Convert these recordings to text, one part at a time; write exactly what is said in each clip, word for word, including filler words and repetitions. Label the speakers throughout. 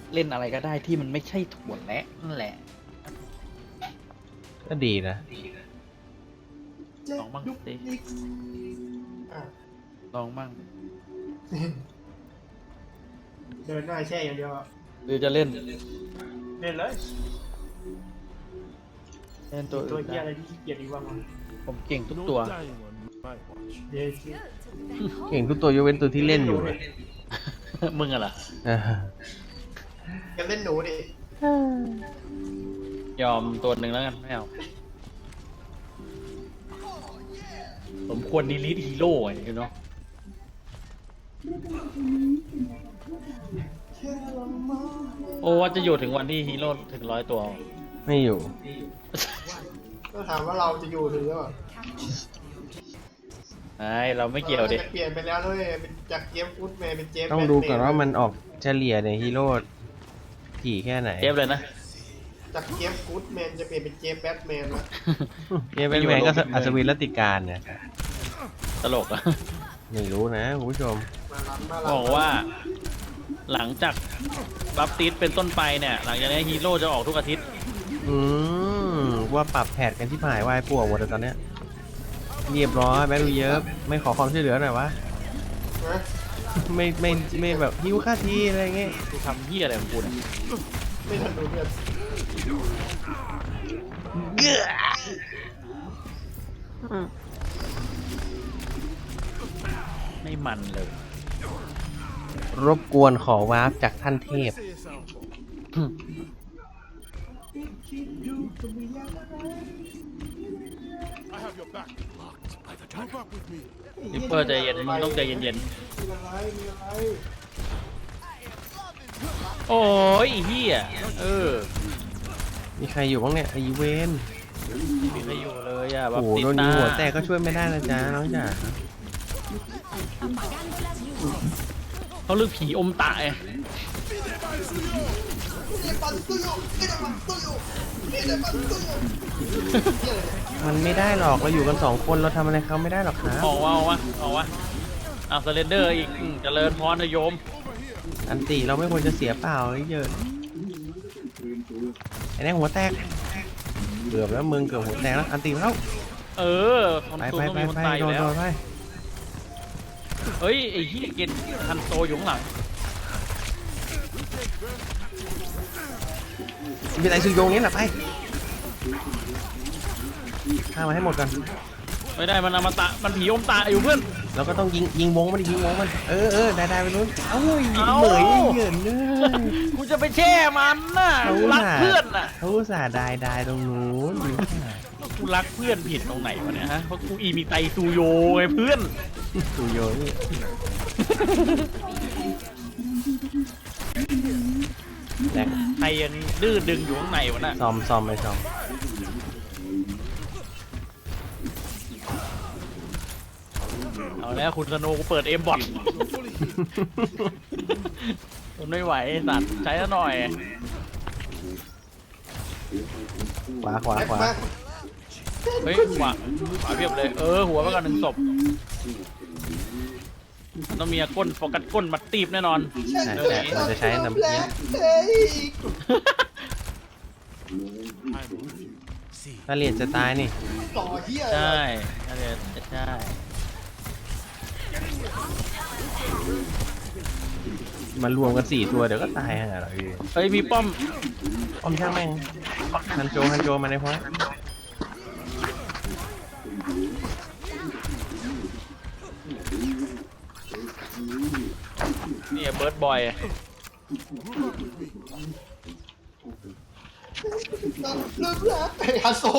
Speaker 1: เล่นอะไรก็ได้ที่มันไม่ใช่ถั่วแระนั่นแหละ
Speaker 2: ก็ดีนะ
Speaker 1: ลองบ้างสิลองบ้าง
Speaker 3: เดินหน้าแช่อย่างเดียว
Speaker 1: หรือจะเล่น
Speaker 3: เล่นเลย
Speaker 1: เล่นตัว
Speaker 3: ตัวเหี้ยอะไรที่ขี้เกียจดีบ้าง
Speaker 1: ผมเก่งทุกตัว
Speaker 3: เดี๋ยว
Speaker 2: เก่งทุกตัวยกเว้นตัวที่เล่นอยู่เลย
Speaker 1: มึงอะล่ะ
Speaker 3: จะเล่นหนูดิ
Speaker 1: ยอมตัวหนึ่งแล้วกันไม่เอาผมควรดีลิทฮีโร่ไงเนาะโอ้ว่าจะอยู่ถึงวันที่ฮีโร่ถึงร้อยตัว
Speaker 2: ไม่อยู่
Speaker 3: ก็ถามว่าเราจะอยู่ถึงหรือเปล่า
Speaker 1: ไอ้เราไม่เกี่ยวดิ
Speaker 3: เปลี่ยนไปแล้วด้วยเป็นจากเจฟฟุตแมนเป็นเจฟ
Speaker 2: ต้องดูก่อนว่ามันออกเฉลี่ยในฮีโร่กี่แค่ไหน
Speaker 1: เจฟเลยนะ
Speaker 3: จากเจฟฟุตแมนจะเปลี่ยนเป็นเจฟแบทแมนแล้ว
Speaker 2: เจฟแบทแมนก็อัศวินรัตติการเนี่ย
Speaker 1: ตลกอะ
Speaker 2: ไม่รู้นะคุณผู้ชม
Speaker 1: บอกว่าหลังจากบัฟติสเป็นต้นไปเนี่ยหลังจากนี้ฮีโร่จะออกทุกอาทิตย์
Speaker 2: อืมว่าปรับแผดกันที่หายวายป่วหมดเลยตอนเนี้ยเรียบร้อยแบ็คดูเยอะไม่ขอความช่วยเหลือหน่อยวะไม่ไม่ไม่แบบหิวค่าทีอะไรเงี้ย
Speaker 1: กูทำเหี้ยอะไรของกูเนี่ย
Speaker 3: ไม่ทันดูเพื่อน
Speaker 1: ไม่มันเลย
Speaker 2: รบกวนขอวาร์ปจากท่านเทพ
Speaker 1: นิปเปอร์ใจเย็นมึงต้องใจเย็นๆโอ้ยเฮียเออ
Speaker 2: มีใครอยู่บ้างเนี่ยไอเวน
Speaker 1: ไม่มีใครอยู่เลยอ่ะ
Speaker 2: โอ้โหโดนยิงหัวแตกก็ช่วยไม่ได้นะจ๊ะน้องจ๋า
Speaker 1: เขาเลือกผีอมตะไง
Speaker 2: มันไม่ได้หรอกเราอยู่กันสองคนเราทำอะไรเขาไม่ได้หรอกครับ
Speaker 1: ออกว่าออกว่าออกว่าเอาสเลนเดอร์อีกเจริญพรโยม
Speaker 2: อันตีเราไม่ควรจะเสียเปล่าเยอะไอ้แน่หัวแตกเกือบแล้วมึงเกือบหัวแตกแล้วอันตีแล้ว
Speaker 1: เออ
Speaker 2: ไปไปไปไปโดนโดนไป
Speaker 1: เฮ้ยไอ้เหี้ยเกณฑ์ฮันโซอยู่ข้างหลัง
Speaker 2: มีอะไรซื้อโยงนี้แหละไปฆ่ามาให้หมดกัน
Speaker 1: ไม่ได้มันอมตะมันผีอมตะอยู่เพื่อน
Speaker 2: เราก็ต้องยิงยิงวงมันยิงวงมันเออเออได้ได้ไปนู้นเอ้าเหมยเหยินเลย
Speaker 1: กูจะไปแช่มันน่ะกูรักเพื่อนน่ะ
Speaker 2: เขาอุตส่าห์ได้ได้ตรงนู้น
Speaker 1: กูรักเพื่อนผิดตรงไหนวะเนี่ยฮะเพราะกูอีมีไตซูโยไงเพื่อน
Speaker 2: ซูโยนี่
Speaker 1: แต่ใครยังดื้อดึงอยู่ข้างในวะน่ะ
Speaker 2: ซอมซอมไปซอม
Speaker 1: เอาแล้วคุณสโนกูเปิดเอ็มบอทมันไม่ไหวสัตว์ใช้ซะหน่อย
Speaker 2: ขวาขวาขวา
Speaker 1: เฮ้ยขวาขวาเพียบเลยเออหัวไปก่อนหนึ่งศพมันต้องมีก้นโฟกัสก้นมัดตีบแน่นอน
Speaker 2: แต่เราจะใช้น้ำเพี้ยถ้าเรียนจะตายนี่
Speaker 1: ใช่ถ้าเรียนใช่
Speaker 2: มันรวมกันสี่ตัวเดี๋ยวก็ตายฮะเราเอง
Speaker 1: เฮ้ยมีป้อม
Speaker 2: ป้อมช่างแม่งฮันโจฮันโจมาในพอย
Speaker 1: นี่เบิร์ดบอย
Speaker 3: ลืมแล้วไอ้ฮันโซ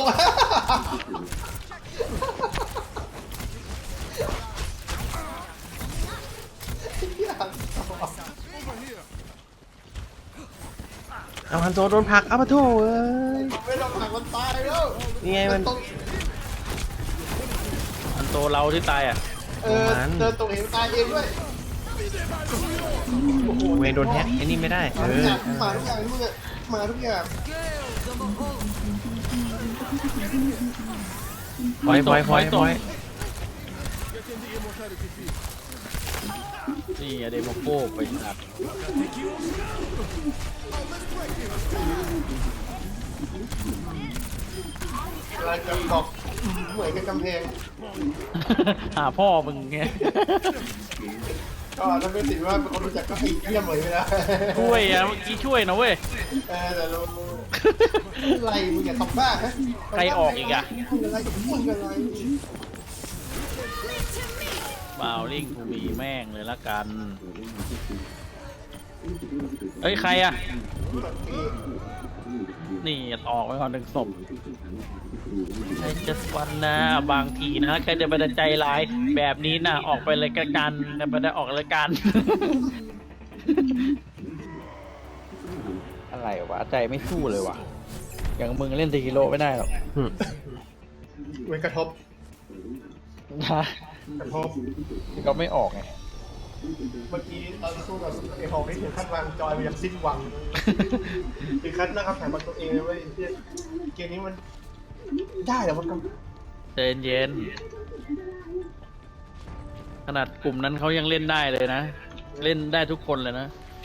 Speaker 2: เอาฮันโซโดนผักเอาปะโถเอ้ย
Speaker 3: ไม่ต้องผักมันตายแล้ว
Speaker 2: นี่ไงมัน
Speaker 1: ฮันโซเราที่ตายอ่ะ
Speaker 3: เออเดินตรงเองตายเองด้วย
Speaker 2: เวงโดนแฮกไอ้นี่ไม่ได้เออ
Speaker 3: มาทุกอย่างทุกอย่างมาทุกอย่าง
Speaker 2: พอยพอยพอยพอย
Speaker 1: นี่อะเดโมโกไปสัตว์
Speaker 3: อะไรจะบอกเหมือนกับกำแพง
Speaker 1: หาพ่อมึงไง
Speaker 3: ก็ถ้าไม่ติดว่าเป็นคนรู้จักก็ไอ้เหี้ยเหมยไปแล้ว
Speaker 1: ช่วยอะเมื่อกี้ช่วยนะเว้ย
Speaker 3: เออแต่เราอะไรมึงอย่าทำบ้าฮะ
Speaker 1: ใครออกอีกอะ
Speaker 3: มึงอะไรมึงอะไร
Speaker 1: บาวลิงกูมีแม่งเลยละกัน เฮ้ย ใครอะนี่ออกไปก่อนหนึ่งศพไอ้จัสวันนะบางทีนะใครจะไปใจร้ายแบบนี้นะออกไปเลยกันจะไปได้ออกเลยกัน อะไรวะใจไม่สู้เลยวะอย่างมึงเล่นทีกิโลไม่ได้หรอก
Speaker 2: หึ
Speaker 3: เว้นกระทบ
Speaker 1: นะ
Speaker 3: กระทบ
Speaker 1: ก็ไม่ออกไง
Speaker 3: เมื่อกี้ตอนสู้กับไอ้หอกนี่ถึงขั้นวางจอยไปอย่างสิ้นหวังถึงขั้นนะครับแถมมาตัวเองเลยเว้ยเหี้ยเกมนี้มันได้เหรอมันก็
Speaker 1: ใจเย็นขนาดกลุ่มนั้นเขายังเล่นได้เลยนะ เล่นได้ทุกคนเลยนะ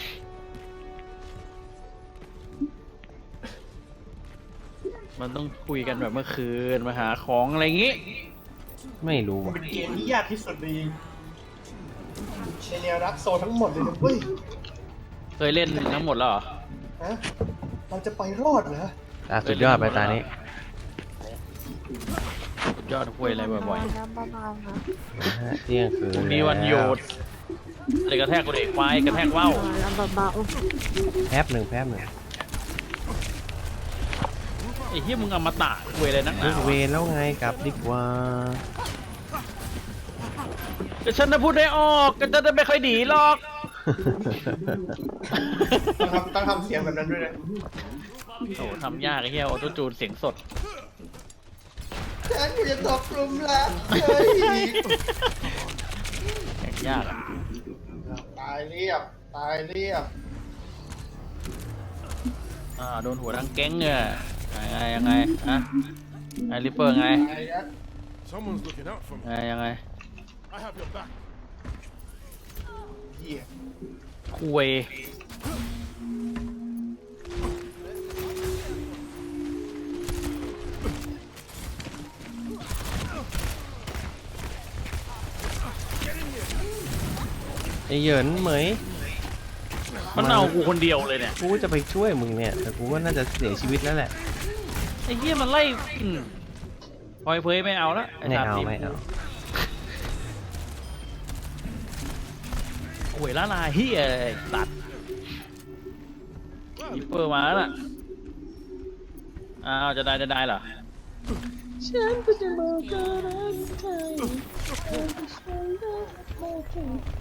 Speaker 1: มันต้องคุยกันแบบเมื่อคืนมาหาของอะไรอย่างงี้
Speaker 2: ไม่รู้
Speaker 3: มัน
Speaker 2: ว่ะ
Speaker 3: เป็นเกมที่ยากที่สุดในในแนวรักโซนทั้งหมดเลยนะเว้ย
Speaker 1: เคยเล่นทั้งหมดแล้วเหรอ
Speaker 3: ฮะเราจะไปรอดเหรอ
Speaker 2: อ่ะสุดยอดไปตานี้
Speaker 1: สุดยอดคุยอะไรบ่อย
Speaker 4: น้ำเบาๆนะ
Speaker 2: นะฮะเที่ยงคืน
Speaker 1: ๆมีวันหยุดเลยกระแทกกูเด็กควายกระแทกว่าว
Speaker 4: น้ำเบา
Speaker 2: แป๊บหนึ่งแป๊บหนึ่ง
Speaker 1: ไอ้เหี้ยมึงเอามาตะคุยอะไรนักห
Speaker 2: เลิ
Speaker 1: นาก
Speaker 2: เว
Speaker 1: วะ
Speaker 2: รแล้วไงกลับดีกว่า
Speaker 1: แต่ฉันจะพูดได้ออกก็จะไม่ค่อยดีหรอก
Speaker 3: ต้องทำต้องทำเสียงแบบนั้นด้วยนะ
Speaker 1: โอ้ทำยากไอ้เหี้ยออโต้จูนเสียงสด
Speaker 3: ฉันอยู่จะตกกลุ่มรักเฮ้ย
Speaker 1: แข่งยากอะ
Speaker 3: ตายเรียบตายเรียบ
Speaker 1: อ่าโดนหัวทั้งแก๊งเนี่ยยังไงยังไงฮะไอริปเปอร์ไง
Speaker 3: ตายแล้ว
Speaker 5: Someone's looking out for me.
Speaker 1: ไงยังไง
Speaker 5: I have your back.
Speaker 3: เหี้ย
Speaker 1: คุย
Speaker 2: ไอ้เหยินเหมย
Speaker 1: มันเอากูคนเดียวเลยเนี่ย
Speaker 2: กูจะไปช่วยมึงเนี่ย แต่กูว่าน่าจะเสียชีวิตแล้วแหละ
Speaker 1: ไอ้เหี้ยมันไล่อืมพลอยเพยไม่เอาละอ้
Speaker 2: ไม่
Speaker 1: ส
Speaker 2: เอา
Speaker 1: ที
Speaker 2: ไม่เอา
Speaker 1: หวยละลายเฮียไอ้ตัดริปเปอร์มาแล้วน่ะอ้าวจะได้จะได้เหรอ
Speaker 4: ฉันก็จะบอกก็รักเธอฉันก็ฉันรักเธอใจ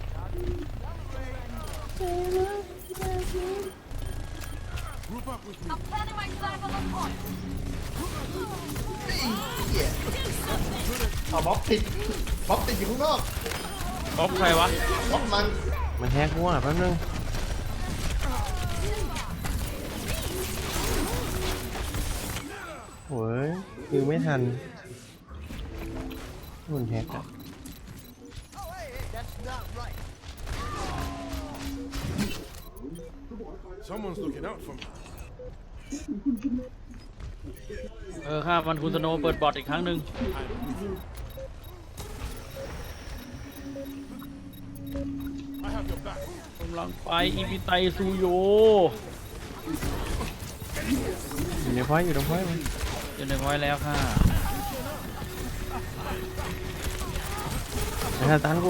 Speaker 4: รักเธอ
Speaker 5: Group up with me.
Speaker 3: เหี้ยเอาม็อบติดม็อบติดอยู่ข้างนอก
Speaker 1: ก๊อปใครวะ
Speaker 3: ม็อบมัน
Speaker 2: มันแฮกกูอ่ะแป๊บนึงโอ้ยคือไม่ทันมันแฮกอ่ะ
Speaker 5: Someone's looking out for me.
Speaker 1: เออครับมันคุณสโนว์เปิดบอทอีกครั้งหนึ่ง
Speaker 5: I have your back.
Speaker 1: กำลังไปอีพิไตซูโย
Speaker 2: อยู่ในพอยต์อยู่ในพอยต์มัน
Speaker 1: อยู่ในไว้แล้วค่ะ
Speaker 2: ไอ้ท่าตันกู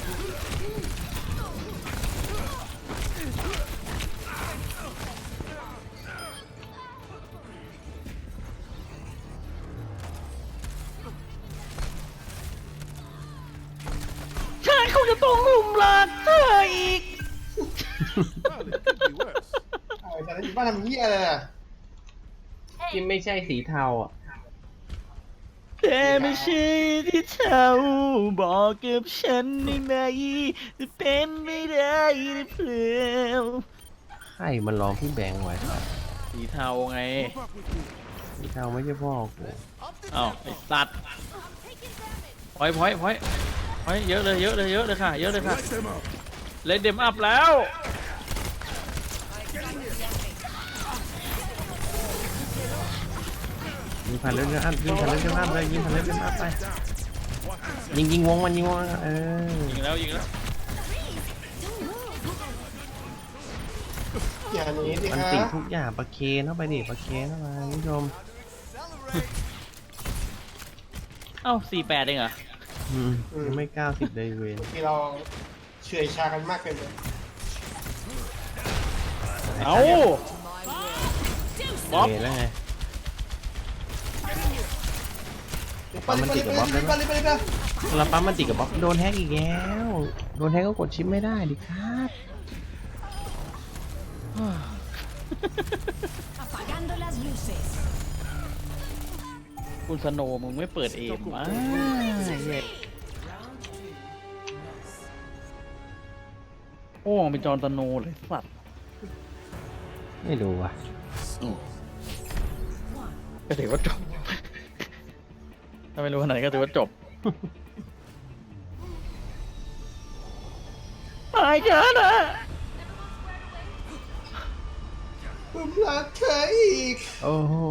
Speaker 1: ฉันคงจะต้องลุ่มรักเธออีก
Speaker 5: Well, it could be worse.
Speaker 3: เอาไอ้สัตว์อยู่บ้านทำเหี้ยอะไรน่ะ
Speaker 2: ที่ไม่ใช่สีเทาอ่ะ
Speaker 1: แต่ไม่ใช่ที่เธอบอกกับฉันได้ไหมจะเป็นไม่ได้หรือเปล่า
Speaker 2: ใครมันร้องพี่แบงค์ไว้ครับ
Speaker 1: สีเทาไง
Speaker 5: Group up with me.
Speaker 2: สีเทาไม่ใช่พ่อกู
Speaker 1: อ้าวไอ้สัตว์พอยพอยพอยพอยเยอะเลยเยอะเลยเยอะเลยค่ะ เยอะเลยค่ะ
Speaker 5: Light them up.
Speaker 1: เลยเดมอัพแล้ว
Speaker 2: ยิงผ่านเรื่องอัพยิงผ่านเรื่องอัพเลยยิงผ่านเรื่องอัพไปยิงยิงวงมันยิงวงเออ
Speaker 1: ยิงแล้วยิงแล้ว
Speaker 3: อย่าหนีดิ
Speaker 2: มัน
Speaker 3: ฮะ
Speaker 2: ติดทุกอย่างประเคนเข้าไปดิประเคนเข้ามาคุณผู้ชม
Speaker 1: เอ้าสี่แปดเองเหรอ
Speaker 2: อืมยังไม่เก้าสิบเลยเวน
Speaker 3: ที่เราเฉื่อยชากันมากเกินไป
Speaker 1: เอ้าบ๊อบ
Speaker 2: เวนแล้วไง
Speaker 3: ปั๊มมันติดกับบ๊อบได้ไหม
Speaker 2: เราปั๊มมันติดกับบ๊อบโดนแฮกอีกแล้วโดนแฮกก็กดชิปไม่ได้ดิครับ
Speaker 6: Apagando las luces.
Speaker 1: คุณสโนว์มึงไม่เปิดเอมอ่ะโอ้เป็นจอร์นสโนว์เลยสัตว์
Speaker 2: ไม่รู้ว่ะ
Speaker 1: ก็ถือว่าจบ ถ้าไม่รู้ขนาดไหนก็ถือว่าจบ ตายกันอ่ะ
Speaker 3: ผมรักเธออีก
Speaker 2: โอ้โห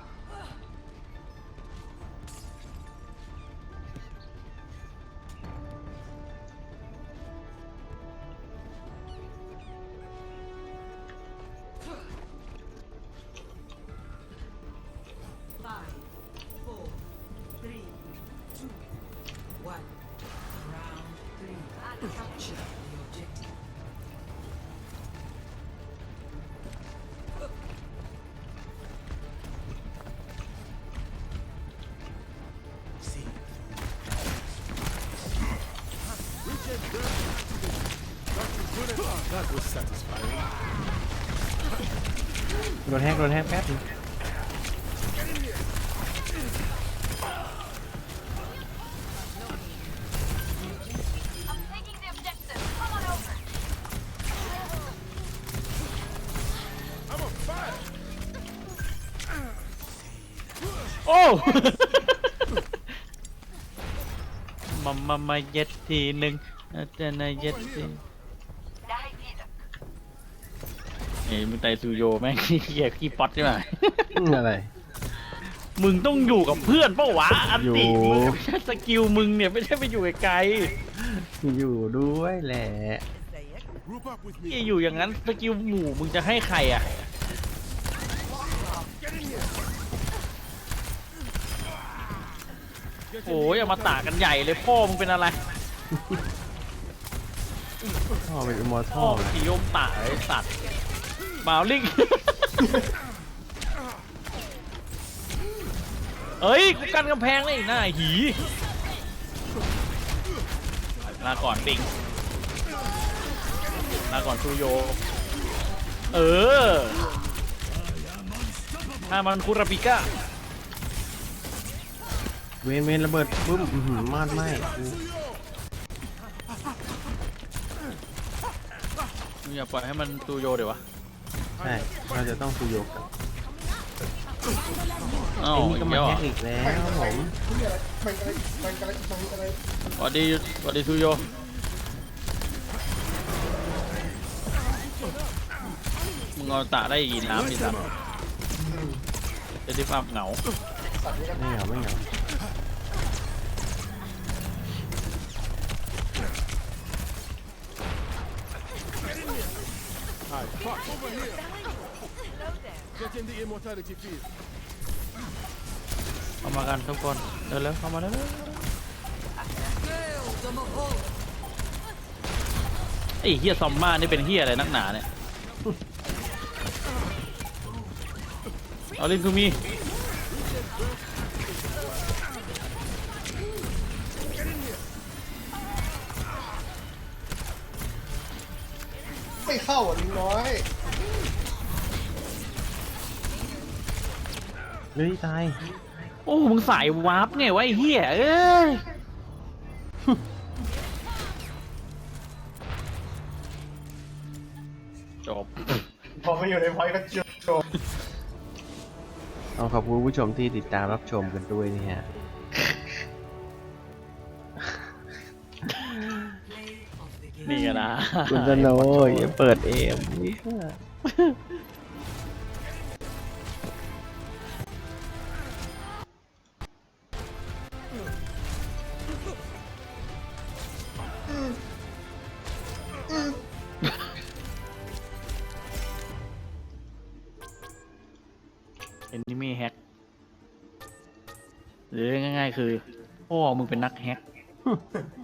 Speaker 5: That was satisfying.
Speaker 2: โดนแฮกโดนแฮกแป๊บนึง
Speaker 1: โอ้ มามามาเย็ดทีหนึ่งอาจารย์เย็ดทีเอ้ยมึงไตซูโยแม่ง เหี้ยขี้ป๊อตใช่ไหม
Speaker 2: อืมอะไร
Speaker 1: มึงต้องอยู่กับเพื่อนเป้าวะอันติ
Speaker 2: อยู่
Speaker 1: มึงไม่ใช่สกิลมึงเนี่ยไม่ใช่ไปอยู่ไกล
Speaker 2: อยู่ด้วยแหละ
Speaker 5: Group up with
Speaker 1: ๆ
Speaker 5: me.
Speaker 1: ที่อยู่อย่างนั้นสกิลหมู่มึงจะให้ใครอ่ะโอ้ยเอามาตากันใหญ่เลยพ่อมึงเป็นอะไร
Speaker 2: พ่อเป็นอิมมอร์ทั
Speaker 1: พ่อ
Speaker 2: ล
Speaker 1: มึง
Speaker 2: นะ
Speaker 1: สีโยมตาไอ้สัตว์บาวลิง เอ้ยกูกันกำแพงเลยหน้าหีลาก่อนปิงลาก่อนซูโย เออถ้ามันคุราปิก้า
Speaker 2: เวนเวนระเบิดปุ๊บอื้อหือมาดไหมกู
Speaker 1: มึงอย่าปล่อยให้มันซูโยเดี๋ยววะ
Speaker 2: ใช่เราจะต้องคุยโยกกัน
Speaker 1: อ้าว
Speaker 2: ไอ้นี่
Speaker 1: อี
Speaker 2: ก็
Speaker 1: ก
Speaker 2: มา
Speaker 1: แล้ว
Speaker 2: แฮ
Speaker 1: อ่ะ
Speaker 2: กอีกแล้วผม
Speaker 3: มันอะไรมันอะไรมันอะไร
Speaker 1: สวัสดีสวัสดีซูโยมึงเอาตาได้ยีน้ำอีกสัตว์จะได้ภาพเหงา
Speaker 2: ไม่เหงาไม่เหงา
Speaker 5: Hi, fuck, over here. Get in the immortality field.
Speaker 1: เข้ามากันทุกคนเดินแล้วเข้ามาแล้วไอ้เฮียซอมมานี่เป็นเฮียอะไรนักหนาเนี่ยเอาลินทูมี
Speaker 3: ไม่เข้าอ่ะลิงน้อย
Speaker 2: เฮ้ยตาย
Speaker 1: โอ้มึงสายวาร์ปไงวะไอ้เฮียเอ้ย จบ
Speaker 3: พอมาอยู่ในพอยต์ก็จบ
Speaker 2: ต้องขอบคุณผู้ชมที่ติดตามรับชมกันด้วยนี่ฮะ
Speaker 1: นี่ไงได้
Speaker 2: คุณสโนว์อย่าเปิดเอม
Speaker 1: เอนนิเมแฮกหรือง่ายๆคือพ่อมึงเป็นนักแฮก